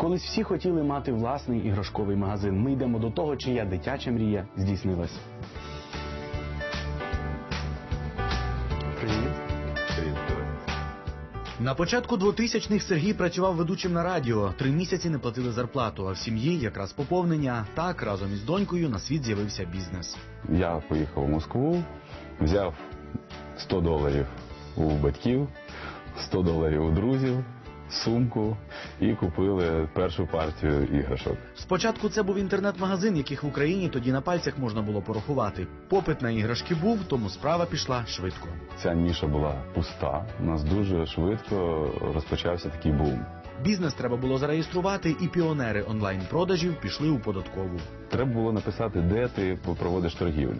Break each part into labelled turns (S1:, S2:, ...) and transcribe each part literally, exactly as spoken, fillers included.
S1: Колись всі хотіли мати власний іграшковий магазин. Ми йдемо до того, чия дитяча мрія здійснилась. Привіт. На початку двотисячних Сергій працював ведучим на радіо. Три місяці не платили зарплату, а в сім'ї якраз поповнення. Так, разом із донькою на світ з'явився бізнес.
S2: Я поїхав у Москву, взяв сто доларів у батьків, сто доларів у друзів, сумку і купили першу партію іграшок.
S1: Спочатку це був інтернет-магазин, яких в Україні тоді на пальцях можна було порахувати. Попит на іграшки був, тому справа пішла швидко.
S2: Ця ніша була пуста, у нас дуже швидко розпочався такий бум.
S1: Бізнес треба було зареєструвати, і піонери онлайн-продажів пішли у податкову.
S2: Треба було написати, де ти проводиш торгівлю.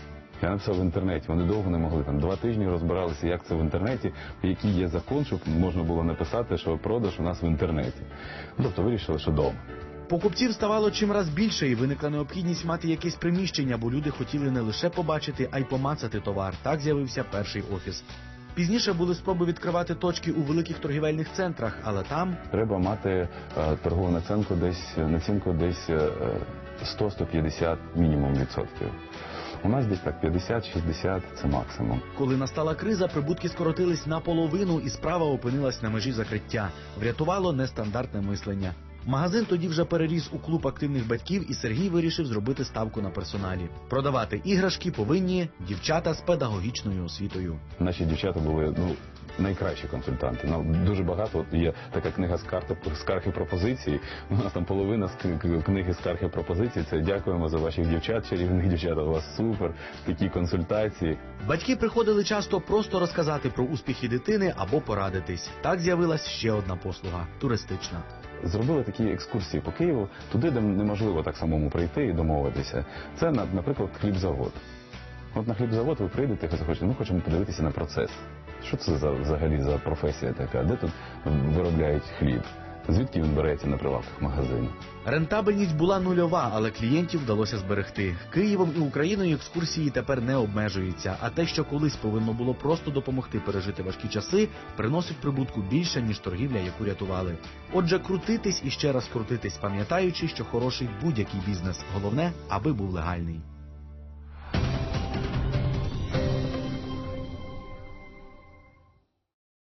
S2: Я написав в інтернеті, вони довго не могли, там два тижні розбиралися, як це в інтернеті, який є закон, щоб можна було написати, що продаж у нас в інтернеті. Тобто вирішили, що вдома.
S1: Покупців ставало чимраз більше, і виникла необхідність мати якесь приміщення, бо люди хотіли не лише побачити, а й помацати товар. Так з'явився перший офіс. Пізніше були спроби відкривати точки у великих торгівельних центрах, але там...
S2: Треба мати е, торгову націнку десь, націнку десь е, сто - сто п'ятдесят мінімум відсотків. У нас десь так п'ятдесят - шістдесят – це максимум.
S1: Коли настала криза, прибутки скоротились наполовину, і справа опинилась на межі закриття. Врятувало нестандартне мислення. Магазин тоді вже переріс у клуб активних батьків, і Сергій вирішив зробити ставку на персоналі. Продавати іграшки повинні дівчата з педагогічною освітою.
S2: Наші дівчата були, ну, найкращі консультанти. Ну, дуже багато, от є така книга скарг і пропозицій. У нас там половина книги скарг і пропозицій. Це дякуємо за ваших дівчат, чарівних дівчат, у вас супер, такі консультації.
S1: Батьки приходили часто просто розказати про успіхи дитини або порадитись. Так з'явилась ще одна послуга – туристична.
S2: Зробили такі екскурсії по Києву, туди, де неможливо так самому прийти і домовитися. Це, наприклад, хлібзавод. От на хлібзавод ви прийдете і захочете, ми хочемо подивитися на процес. Що це за, взагалі за професія така? Де тут виробляють хліб? Звідки він береться на прилавках магазину?
S1: Рентабельність була нульова, але клієнтів вдалося зберегти. Києвом і Україною екскурсії тепер не обмежуються, а те, що колись повинно було просто допомогти пережити важкі часи, приносить прибутку більше, ніж торгівля, яку рятували. Отже, крутитись і ще раз крутитись, пам'ятаючи, що хороший будь-який бізнес. Головне, аби був легальний.